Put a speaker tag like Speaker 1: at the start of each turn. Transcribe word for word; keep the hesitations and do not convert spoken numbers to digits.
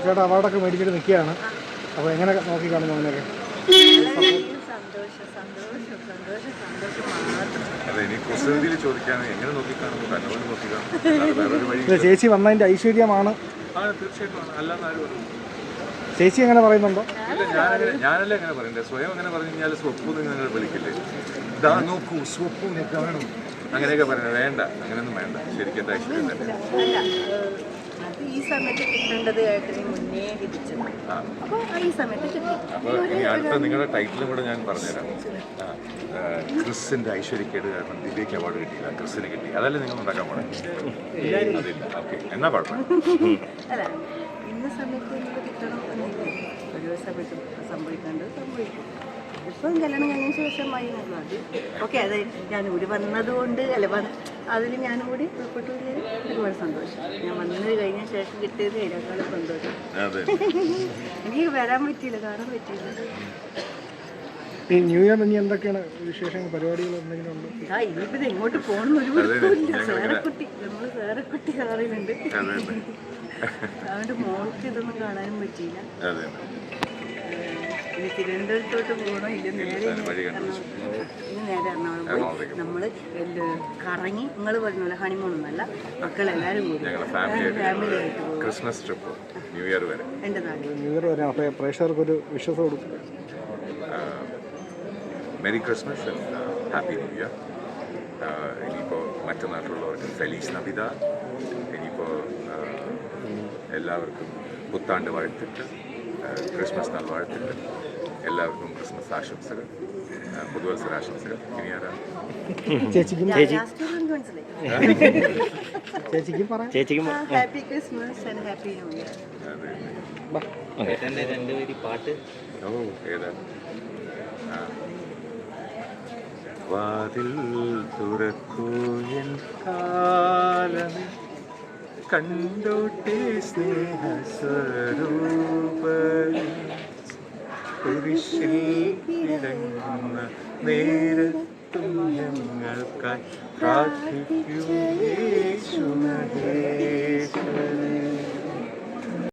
Speaker 1: ചേട്ടാ അവാർഡൊക്കെ മേടിച്ചിട്ട് നിൽക്കുകയാണ്. അപ്പോൾ എങ്ങനെ നോക്കി കാണുന്നു അങ്ങനെയൊക്കെ? ചേച്ചി വന്നതിൻ്റെ ഐശ്വര്യമാണ്. ചേച്ചി എങ്ങനെ പറയുന്നുണ്ടോ?
Speaker 2: ഞാനല്ലേ എങ്ങനെ പറയണ്ടേ? സ്വയം അങ്ങനെ പറഞ്ഞു കഴിഞ്ഞാൽ സ്വപ്പു നിങ്ങൾ വിളിക്കില്ലേ? ഇതാ നോക്കൂ സ്വപ്പു കാണും അങ്ങനെയൊക്കെ പറയുന്നത് വേണ്ട, അങ്ങനെയൊന്നും വേണ്ട. ശരിക്കും എന്താ ഐശ്വര്യം തന്നെ.
Speaker 3: ഈ സമയത്ത് കിട്ടേണ്ടത് മുന്നേ കിട്ടിച്ചത്. അപ്പോൾ ഈ സമയത്ത് കിട്ടി.
Speaker 2: അപ്പോൾ ഇനി അടുത്ത നിങ്ങളുടെ ടൈറ്റിലും കൂടെ ഞാൻ പറഞ്ഞുതരാം. ക്രിസിൻ്റെ ഐശ്വര്യക്കേട് കാരണം ദിവ്യയ്ക്ക് അവാർഡ് കിട്ടിയില്ല, ക്രിസിന് കിട്ടി. അതല്ലേ നിങ്ങൾ ഉണ്ടാക്കാൻ പോണേ? അതില്ല. ഓക്കെ, എന്നാ കുഴപ്പമില്ല.
Speaker 3: അല്ല, ഇന്ന സമയത്ത് നിങ്ങൾ കിട്ടണം എന്നില്ല. ഒരു സമയത്ത് സംഭവിക്കേണ്ടത് സംഭവിക്കും. ഇപ്പം കല്യാണം കഴിഞ്ഞ ശേഷമായി എന്നുള്ളത് അത് ഓക്കെ. അത് ഞാൻ ഇവിടെ വന്നതുകൊണ്ട് അല്ല അതിൽ ഞാനും കൂടി ഉൾപ്പെട്ടു ഒരുപാട് സന്തോഷം. ഞാൻ വന്നത് കഴിഞ്ഞ ശേഷം കിട്ടിയത് അതിനേക്കാളും സന്തോഷം. എനിക്ക് വരാൻ പറ്റിയില്ല, കാണാൻ പറ്റിയില്ല.
Speaker 1: ഈ ന്യൂ ഇയർ ഇനി എന്തൊക്കെയാണ് വിശേഷങ്ങൾ, പരിപാടികൾ എന്തെങ്കിലും ഉണ്ടോ?
Speaker 3: ആ ഇനിയിപ്പോൾ ഇത് എങ്ങോട്ട് പോകണം ഒരു വൃത്തമില്ല. സേറക്കുട്ടി നമ്മൾ സേറക്കുട്ടി കാണുന്നുണ്ട്. അതുകൊണ്ട് മോൾക്ക് ഇതൊന്നും കാണാനും പറ്റിയില്ല. ഇനി തിരുവനന്തപുരത്തോട്ട് പോകണോ ഇല്ല നേരെ ഇനി നേരെ എറണാകുളം പോയി നമ്മൾ കറങ്ങി നിങ്ങൾ പറഞ്ഞ പോലെ ഹണിമൂണൊന്നല്ല, മക്കളെല്ലാവരും കൂടി ഫാമിലി ആയിട്ട് പോകും.
Speaker 2: ക്രിസ്മസ് ട്രിപ്പ് ന്യൂ ഇയർ വരെ
Speaker 3: എൻ്റെ നാട്ടിൽ
Speaker 1: ന്യൂ ഇയർ വരെ. അപ്പോൾ പ്രേക്ഷകർക്കൊരു വിശ്വാസം കൊടുക്കും.
Speaker 2: Merry Christmas and happy new year. ഇനിയിപ്പോൾ മറ്റു നാട്ടിലുള്ളവർക്ക് ഫെലീസ് നബിദ. ഇനിയിപ്പോൾ എല്ലാവർക്കും പുത്താണ്ട് വാഴ്ത്തിട്ട്, ക്രിസ്മസ് നാൾ വാഴ്ത്തിട്ട്, എല്ലാവർക്കും ക്രിസ്മസ് ആശംസകൾ, പുതുവത്സരാശംസകൾ. ഇനി ആരാണ്?
Speaker 1: ചേച്ചിക്കും ചേച്ചിക്കും പറയാം. ചേച്ചിക്കും
Speaker 3: happy Christmas and happy new year.
Speaker 2: പാട്ട് ഓ ഏതാ? വാതിൽ തുറക്കൂ എൻ കാലമേ, കണ്ടോട്ടെ സ്നേഹസ്വരൂപനെ, കുരിശിൽ കിടങ്ങുന്ന നേരത്തും ഞങ്ങൾക്കായി പ്രാർത്ഥിക്കൂ യേശുമഹേശ്വരനെ.